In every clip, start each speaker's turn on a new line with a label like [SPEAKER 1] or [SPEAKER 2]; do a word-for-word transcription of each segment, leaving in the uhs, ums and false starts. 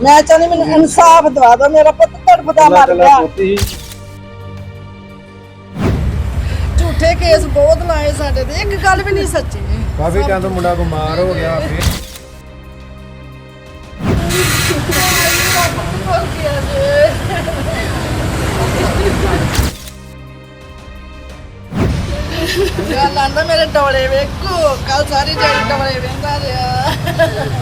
[SPEAKER 1] मैं चाहनी मैंने इंसाफ दवा दो, मेरा पुत तड़फदा मर गया। झूठे केस बहुत लाए साडे ते, एक गल भी नहीं सच्ची।
[SPEAKER 2] काफी टाइम तो मुंडा बीमार हो गया फिर
[SPEAKER 1] गल आंदा मेरे डोले वेखो, कल सारी जड़ी डोले वेंदा रहा।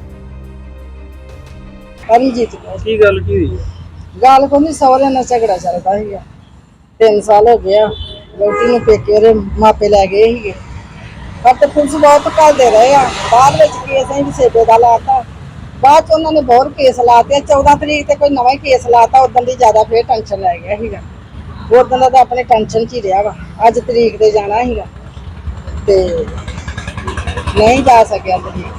[SPEAKER 1] अरिजीत
[SPEAKER 2] की गल की हुई
[SPEAKER 1] गल को नहीं, सौरे नाल झगड़ा चलदा सीगा। तीन साल हो गया बेटी नूं पेके ओहदे मापे लै गए सीगे, पर ते पुलिस बहुत घल्लदे रहे आ। बाद विच केस असीं सेबे दा लाता, बाद च उन्होंने बहुत केस लाते। चौदह तरीक ते कोई नवा ही केस लाता, उदन दी ज्यादा फिर टेंशन लै गया सीगा। उदन दा अपने टेंशन च ही रहा वा। अज तरीक ते जाना सीगा ते नहीं जा सकिया तरीक।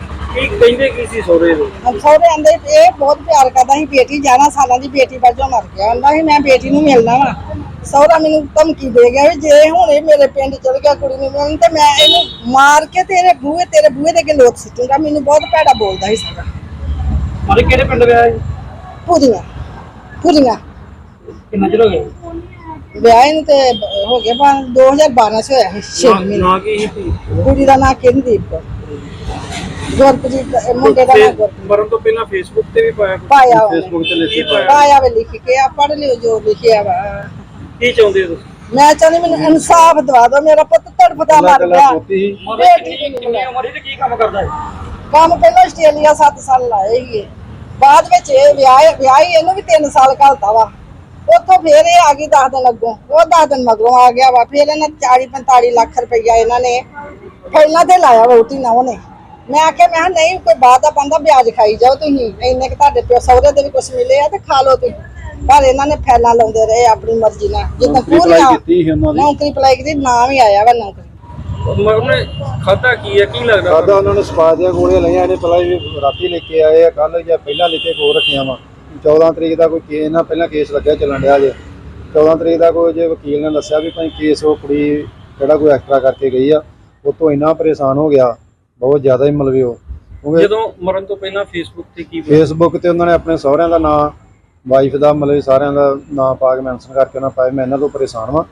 [SPEAKER 1] सौरे आंदे ये बहुत प्यार करता सी, बेटी ग्यारह साल की बेटी वजों मर गया। आंदा सी मैं बेटी नूं मिलना वा। सौरा मैनूं धमकी दे गया भी जे हुण ये मेरे पिंड चल गया कुड़ी नूं मिलण ते मैं इहनूं मार के तेरे बूहे तेरे बूहे दे अगे लोथ सुट्टूंगा। मैनूं बहुत भैड़ा बोलदा सी सौरा।
[SPEAKER 2] मारे किहड़े पिंड विआह है?
[SPEAKER 1] पूरियां पूरियां
[SPEAKER 2] किन्ना चिर हो गया
[SPEAKER 1] ਵਿਆਹ ਨੂੰ ਤੇ ਹੋ ਗਿਆ ਬਾ दो हज़ार बारह ਚ ਹੋਇਆ ਸੀ छे ਮਹੀਨੇ।
[SPEAKER 2] ना की ही
[SPEAKER 1] ਕੁੜੀ ਦਾ ਨਾਂ ਕਿੰਦੀਪ ਕੌਰ, ਗੁਰਪ੍ਰੀਤ ਮੁੰਡੇ ਦਾ ਨਾਂ ਗੁਰਪ੍ਰੀਤ।
[SPEAKER 2] ਮਰਨ ਤੋਂ ਪਹਿਲਾਂ ਫੇਸਬੁੱਕ ਤੇ ਵੀ ਪਾਇਆ
[SPEAKER 1] ਪਾਇਆ
[SPEAKER 2] ਫੇਸਬੁੱਕ ਤੇ ਲਿਖੀ ਪਾਇਆ
[SPEAKER 1] ਪਾਇਆ ਵੇ ਲਿਖ ਕੇ ਆ ਪੜ੍ਹ ਲਿਓ ਜੋ ਲਿਖਿਆ ਵਾ।
[SPEAKER 2] ਕੀ ਚਾਹੁੰਦੇ ਹੋ ਤੁਸੀਂ?
[SPEAKER 1] ਮੈਂ ਚਾਹੁੰਦੀ ਮੈਨੂੰ ਇਨਸਾਫ ਦਵਾ ਦਿਓ, ਮੇਰਾ ਪੁੱਤ ਤੜਫਦਾ ਮਰ ਗਿਆ।
[SPEAKER 2] ਬੇਟੀ ਕਿੰਨੀ ਉਮਰ ਤੇ ਕੀ ਕੰਮ ਕਰਦਾ ਹੈ?
[SPEAKER 1] ਕੰਮ ਪਹਿਲਾਂ ਆਸਟ੍ਰੇਲੀਆ ਸੱਤ ਸਾਲ ਲਾਏ ਸੀਗੇ, ਬਾਅਦ ਵਿੱਚ ਇਹ ਵਿਆਹ ਵਿਆਹੀ ਇਹਨੂੰ ਵੀ ਤਿੰਨ ਸਾਲ ਘਲਤਾ ਵਾ। ਉੱਥੋਂ ਫੇਰ ਇਹ ਆ ਗਈ ਦਸ ਦਿਨ ਅੱਗੋਂ, ਉਹ ਦਸ ਦਿਨ ਮਗਰੋਂ ਆ ਗਿਆ ਵਾ। ਫਿਰ ਇਹਨਾਂ ਚਾਲੀ ਪੰਤਾਲੀ ਲੱਖ ਰੁਪਈਆ ਇਹਨਾਂ ਨੇ ਪਹਿਲਾਂ ਤੇ ਲਾਇਆ ਵੋਟੀ ਨਾ ਉਹਨੇ। ਮੈਂ ਆਖਿਆ ਮੈਂ ਨਹੀਂ ਕੋਈ ਬਾਤ ਦਾ ਬੰਦਾ ਵਿਆਜ ਖਾਈ ਜਾਓ ਤੁਸੀਂ, ਇੰਨੇ ਕਿ ਤੁਹਾਡੇ ਪਿਓ ਸਹੁਰੇ ਦੇ ਵੀ ਕੁਛ ਮਿਲੇ ਆ ਤੇ ਖਾ ਲਓ ਤੁਸੀਂ। ਪਰ ਇਹਨਾਂ ਨੇ ਫੈਲਾਂ ਲਾਉਂਦੇ ਰਹੇ ਆਪਣੀ ਮਰਜ਼ੀ ਨਾਲ। ਜਿੱਦਾਂ ਪੂਰੀਆਂ ਨੌਕਰੀ ਅਪਲਾਈ ਕੀਤੀ, ਨਾਂ ਵੀ ਆਇਆ ਵਾ ਨੌਕਰੀ।
[SPEAKER 2] ਉਹਨੇ ਖਾਦਾ ਕੀ ਹੈ, ਕੀ ਲੱਗਦਾ?
[SPEAKER 3] ਖਾਦਾ ਉਹਨਾਂ ਨੇ ਸਪਾ ਦੀਆਂ ਗੋਲੀਆਂ ਲਈਆਂ। ਇਹਨੇ ਪਹਿਲਾਂ ਵੀ ਰਾਤੀ ਲੈ ਕੇ ਆਏ ਆ, ਕੱਲ ਜਾਂ ਪਹਿਲਾਂ ਲੈ ਕੇ ਕੋ ਰੱਖੀਆਂ ਵਾ। ਚੌਦਾਂ ਤਰੀਕ ਦਾ ਕੋਈ ਕੇਸ ਨਾ ਪਹਿਲਾਂ ਕੇਸ ਲੱਗਿਆ ਚੱਲਣ ਡਿਆ ਜੇ। ਚੌਦਾਂ ਤਰੀਕ ਦਾ ਕੋਈ ਜੇ ਵਕੀਲ ਨੇ ਦੱਸਿਆ ਵੀ ਭਾਈ ਕੇਸ ਉਹ ਕੁੜੀ ਜਿਹੜਾ ਕੋਈ ਐਕਸਟਰਾ ਕਰਕੇ ਗਈ ਆ, ਉਹ ਤੋਂ ਇੰਨਾ ਪਰੇਸ਼ਾਨ ਹੋ ਗਿਆ ਬਹੁਤ ਜ਼ਿਆਦਾ ਹੀ। ਮਤਲਬ ਉਹ
[SPEAKER 2] ਜਦੋਂ ਮਰਨ ਤੋਂ ਪਹਿਲਾਂ ਫੇਸਬੁੱਕ ਤੇ ਕੀ
[SPEAKER 3] ਫੇਸਬੁੱਕ ਤੇ ਉਹਨਾਂ ਨੇ ਆਪਣੇ ਸਹੁਰਿਆਂ ਦਾ ਨਾਂ, ਵਾਈਫ ਦਾ ਮਤਲਬ ਸਾਰਿਆਂ ਦਾ ਨਾਂ ਪਾ ਕੇ ਮੈਂਸ਼ਨ ਕਰਕੇ ਉਹਨਾਂ ਪਾਇਆ ਮੈਂ ਇਹਨਾਂ ਤੋਂ ਪਰੇਸ਼ਾਨ ਵਾਂ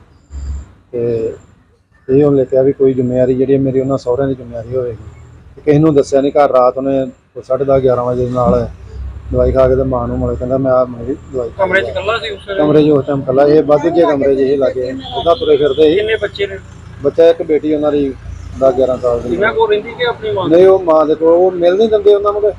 [SPEAKER 3] ਤੇ ਇਹ ਉਹਨੇ ਲਿਖਿਆ ਵੀ ਕੋਈ ਜ਼ਿੰਮੇਵਾਰੀ ਜਿਹੜੀ ਮੇਰੀ ਉਹਨਾਂ ਸਹੁਰਿਆਂ ਦੀ ਜ਼ਿੰਮੇਵਾਰੀ ਹੋਵੇਗੀ। ਕਿਸੇ ਨੂੰ ਦੱਸਿਆ ਨਹੀਂ। ਘਰ ਰਾਤ ਉਹਨੇ ਸਾਢੇ ਦਸ ਗਿਆਰਾਂ ਵਜੇ ਨਾਲ ਦਵਾਈ ਖਾ ਕੇ ਤੇ ਮਾਂ ਨੂੰ ਮਿਲ ਕਹਿੰਦਾ ਮੈਂ ਆ ਮੇਰੀ ਦਵਾਈ
[SPEAKER 2] ਕਮਰੇ 'ਚ ਇਕੱਲਾ ਸੀ? ਉਸ
[SPEAKER 3] ਕਮਰੇ 'ਚ ਉਸ ਟਾਈਮ ਇਕੱਲਾ। ਇਹ ਵਾਧੂ ਜੇ ਕਮਰੇ 'ਚ ਇਹ ਲੱਗੇ ਉਹਦਾ ਤੁਰੇ ਫਿਰਦੇ ਸੀ।
[SPEAKER 2] ਕਿੰਨੇ ਬੱਚੇ ਨੇ?
[SPEAKER 3] ਬੱਚਾ ਇੱਕ ਬੇਟੀ ਉਹਨਾਂ ਦੀ ਦਸ ਗਿਆਰਾਂ ਸਾਲ ਦੀ।
[SPEAKER 2] ਇਹਨਾਂ ਕੋਲ ਰਹਿੰਦੀ ਕਿ ਆਪਣੀ ਮਾਂ?
[SPEAKER 3] ਨਹੀਂ ਉਹ ਮਾਂ ਦੇ ਕੋਲ। ਉਹ ਮਿਲ ਨਹੀਂ ਦਿੰਦੇ ਉਹਨਾਂ ਨੂੰ,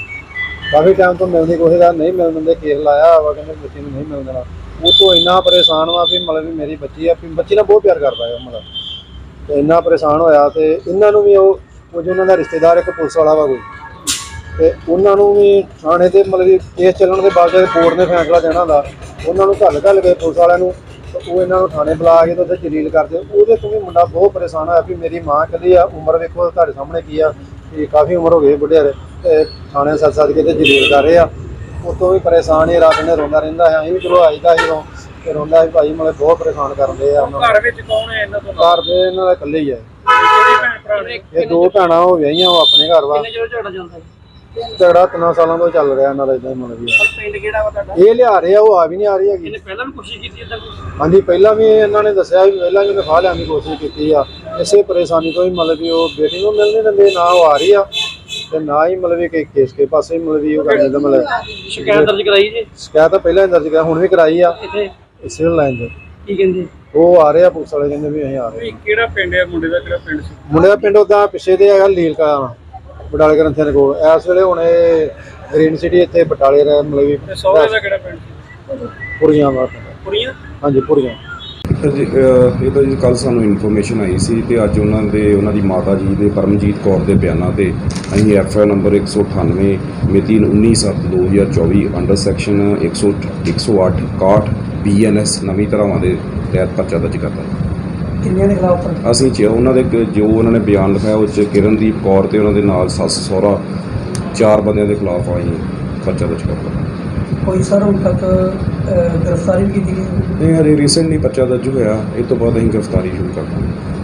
[SPEAKER 3] ਕਾਫੀ ਟਾਈਮ ਤੋਂ ਮਿਲਣ ਦੀ ਕੋਸ਼ਿਸ਼ ਕਰ ਨਹੀਂ ਮਿਲਣ ਦਿੰਦੇ। ਕੇਸ ਲਾਇਆ ਵਾ ਕਹਿੰਦੇ ਬੱਚੀ ਨੂੰ ਨਹੀਂ ਮਿਲਣ ਦੇਣਾ। ਉਹ ਤੋਂ ਇੰਨਾ ਪਰੇਸ਼ਾਨ ਵਾ ਵੀ ਮਤਲਬ ਵੀ ਮੇਰੀ ਬੱਚੀ ਆ, ਬੱਚੀ ਨਾਲ ਬਹੁਤ ਪਿਆਰ ਕਰਦਾ ਹੈ ਮਤਲਬ। ਤੇ ਇੰਨਾ ਪਰੇਸ਼ਾਨ ਹੋਇਆ ਤੇ ਇਹਨਾਂ ਨੂੰ ਵੀ ਉਹ ਕੁਝ ਉਹਨਾਂ ਦਾ ਰਿਸ਼ਤੇਦਾਰ ਇੱਕ ਪੁਲਿਸ ਵਾਲਾ ਵਾ ਕੋਈ, ਤੇ ਉਹਨਾਂ ਨੂੰ ਵੀ ਥਾਣੇ ਤੇ ਮਤਲਬ ਕਿ ਕੇਸ ਚੱਲਣ ਦੇ ਬਾਅਦ ਕੋਰਟ ਨੇ ਫੈਸਲਾ ਦੇਣਾ ਹੁੰਦਾ, ਉਹਨਾਂ ਨੂੰ ਘੱਲ ਘੱਲ ਕੇ ਪੁਲਿਸ ਵਾਲਿਆਂ ਨੂੰ ਉਹ ਇਹਨਾਂ ਨੂੰ ਥਾਣੇ ਬੁਲਾ ਕੇ ਤੇ ਉੱਥੇ ਜਲੀਲ ਕਰਦੇ। ਉਹਦੇ ਤੋਂ ਵੀ ਮੁੰਡਾ ਬਹੁਤ ਪਰੇਸ਼ਾਨ ਹੋਇਆ ਵੀ ਮੇਰੀ ਮਾਂ ਕਹਿੰਦੀ ਆ, ਉਮਰ ਵੇਖੋ ਤੁਹਾਡੇ ਸਾਹਮਣੇ ਕੀ ਆ ਕਿ ਕਾਫੀ ਉਮਰ ਹੋ ਗਈ ਬੁੱਢਿਆਰੇ, ਤੇ ਥਾਣੇ ਸੱਦ ਸੱਦ ਕੇ ਤੇ ਜਲੀਲ ਕਰ ਰਹੇ ਆ। ਉਤੋਂ ਵੀ ਪਰੇਸ਼ਾਨ ਹੀ ਰਾਤ ਨੇ ਰੋਂਦਾ ਰਹਿੰਦਾ ਹੈ। ਅਸੀਂ ਵੀ ਚਲੋ ਆਈਦਾ ਸੀ ਰੋ ਤੇ ਰੋਂਦਾ ਸੀ ਭਾਈ ਮਤਲਬ ਬਹੁਤ ਪਰੇਸ਼ਾਨ ਕਰਦੇ ਆ।
[SPEAKER 2] ਘਰ ਵਿੱਚ ਕੌਣ ਹੈ ਇਹਨਾਂ ਤੋਂ?
[SPEAKER 3] ਘਰ ਦੇ ਇਹਨਾਂ ਦਾ ਇਕੱਲੇ ਹੀ ਹੈ।
[SPEAKER 2] ਭੈਣ ਭਰਾ ਨੇ?
[SPEAKER 3] ਇਹ ਦੋ ਭੈਣਾਂ ਹੋ ਵਿਆਹੀਆਂ, ਉਹ ਆਪਣੇ ਘਰ ਵਾ।
[SPEAKER 2] ਕਿੰਨੇ ਚਿਰ ਝਗੜਾ ਚੱਲਦਾ?
[SPEAKER 3] ਝਗੜਾ ਤਿੰਨਾਂ ਸਾਲਾਂ ਤੋਂ ਚੱਲ ਰਿਹਾ ਇਹਨਾਂ ਦਾ ਇਦਾਂ ਹੀ ਮਤਲਬ ਵੀ।
[SPEAKER 2] ਪਿੰਡ ਕਿਹੜਾ ਵਾ ਤੁਹਾਡਾ?
[SPEAKER 3] ਇਹ ਲਿਆ ਰਹੇ ਆ, ਉਹ ਆ ਵੀ ਨਹੀਂ ਆ ਰਹੀ ਹੈਗੀ।
[SPEAKER 2] ਇਹਨੇ ਪਹਿਲਾਂ ਵੀ ਕੋਸ਼ਿਸ਼ ਕੀਤੀ ਇਦਾਂ ਕੁਝ?
[SPEAKER 3] ਹਾਂਜੀ ਪਹਿਲਾਂ ਵੀ ਇਹਨਾਂ ਨੇ ਦੱਸਿਆ ਵੀ ਪਹਿਲਾਂ ਵੀ ਉਹਨੇ ਫਾਹ ਲਿਆਉਣ ਦੀ ਕੋਸ਼ਿਸ਼ ਕੀਤੀ ਆ। ਇਸੇ ਪਰੇਸ਼ਾਨੀ ਤੋਂ ਹੀ ਮਤਲਬ ਵੀ ਉਹ ਬੇਟੀ ਨੂੰ ਮਿਲ ਨਹੀਂ ਦਿੰਦੇ, ਨਾ ਉਹ ਆ ਰਹੀ ਆ ਤੇ ਨਾ ਹੀ ਮਤਲਬ ਵੀ ਕੇਸ ਕੇ ਪਾਸੇ ਮਤਲਬ ਵੀ ਉਹ ਕਰਦੇ ਤਾਂ ਮਤਲਬ
[SPEAKER 2] ਸ਼ਿਕਾਇਤ ਦਰਜ ਕਰਾਈ ਜੀ?
[SPEAKER 3] ਸ਼ਿਕਾਇਤ ਤਾਂ ਪਹਿਲਾਂ ਹੀ ਦਰਜ ਕਰਾਈ, ਹੁਣ ਵੀ ਕਰਾਈ ਆ
[SPEAKER 2] ਇੱਥੇ
[SPEAKER 3] ਸਿਵਲ ਲਾਈਨ 'ਚ।
[SPEAKER 2] ਕੀ ਕਹਿੰਦੇ?
[SPEAKER 3] ਉਹ ਆ ਰਹੇ ਆ ਪੁਲਿਸ ਵਾਲੇ, ਕਹਿੰਦੇ ਵੀ ਅਸੀਂ ਆ ਰਹੇ।
[SPEAKER 2] ਕਿਹੜਾ ਪਿੰਡ ਹੈ ਮੁੰਡੇ ਦਾ? ਕਿਹੜਾ ਪਿੰਡ ਸੀ
[SPEAKER 3] ਮੁੰਡੇ ਦਾ? ਪਿੰਡ ਉਦਾਂ ਪਿੱਛੇ ਤੇ ਹੈਗਾ ਲੀਲਕਾ, ਬਟਾਲੇ ਗ੍ਰੰਥੀਆਂ ਦੇ ਕੋਲ। ਇਸ ਵੇਲੇ ਹੁਣ ਇਹ ਗ੍ਰੀਨ ਸਿਟੀ ਇੱਥੇ ਬਟਾਲੇ ਰਹਿ ਮਤਲਬ ਵੀ।
[SPEAKER 2] ਸਹੁਰੇ ਦਾ ਕਿਹੜਾ ਪਿੰਡ ਸੀ?
[SPEAKER 3] ਪੁਰੀਆਂ ਵਾ।
[SPEAKER 2] ਪੁਰੀਆਂ?
[SPEAKER 3] ਹਾਂਜੀ ਪੁਰੀਆਂ।
[SPEAKER 4] ਜੀ ਇਹ ਤਾਂ ਜੀ ਕੱਲ੍ਹ ਸਾਨੂੰ ਇਨਫੋਰਮੇਸ਼ਨ ਆਈ ਸੀ ਤੇ ਅੱਜ ਉਹਨਾਂ ਦੇ ਉਹਨਾਂ ਦੀ ਮਾਤਾ ਜੀ ਦੇ ਪਰਮਜੀਤ ਕੌਰ ਦੇ ਬਿਆਨਾਂ ਤੇ ਅਸੀਂ ਐਫ ਆਈ ਆਰ ਨੰਬਰ ਇੱਕ ਸੌ ਅਠਾਨਵੇਂ ਮਿਤੀ ਉੱਨੀ ਸੱਤ ਦੋ ਹਜ਼ਾਰ ਚੌਵੀ ਅੰਡਰ ਸੈਕਸ਼ਨ ਇੱਕ ਸੌ ਇੱਕ ਸੌ ਅੱਠ ਇਕਾਹਠ ਬੀ ਐਨ ਐਸ ਨਵੀਂ ਧਾਰਾਵਾਂ ਦੇ ਤਹਿਤ ਪਰਚਾ ਦਰਜ ਕਰਤਾ।
[SPEAKER 1] ਕਿੰਨਿਆਂ ਦੇ ਖਿਲਾਫ?
[SPEAKER 4] ਅਸੀਂ ਚ ਉਹਨਾਂ ਦੇ ਜੋ ਉਹਨਾਂ ਨੇ ਬਿਆਨ ਲਿਖਾਇਆ ਉਹ 'ਚ ਕਿਰਨਦੀਪ ਕੌਰ ਤੇ ਉਹਨਾਂ ਦੇ ਨਾਲ ਸੱਸ ਸਹੁਰਾ ਚਾਰ ਬੰਦਿਆਂ ਦੇ ਖਿਲਾਫ ਅਸੀਂ ਪਰਚਾ ਦਰਜ ਕਰਤਾ।
[SPEAKER 1] ਕੋਈ ਸਰ ਹੁਣ ਤੱਕ ਗ੍ਰਿਫਤਾਰੀ ਵੀ ਕੀਤੀ ਗਈ?
[SPEAKER 4] ਨਹੀਂ ਹਰੇ ਰੀਸੈਂਟਲੀ ਪਰਚਾ ਦਰਜ ਹੋਇਆ, ਇਹ ਤੋਂ ਬਾਅਦ ਅਸੀਂ ਗ੍ਰਿਫਤਾਰੀ ਸ਼ੁਰੂ ਕਰ ਦਾਂਗੇ।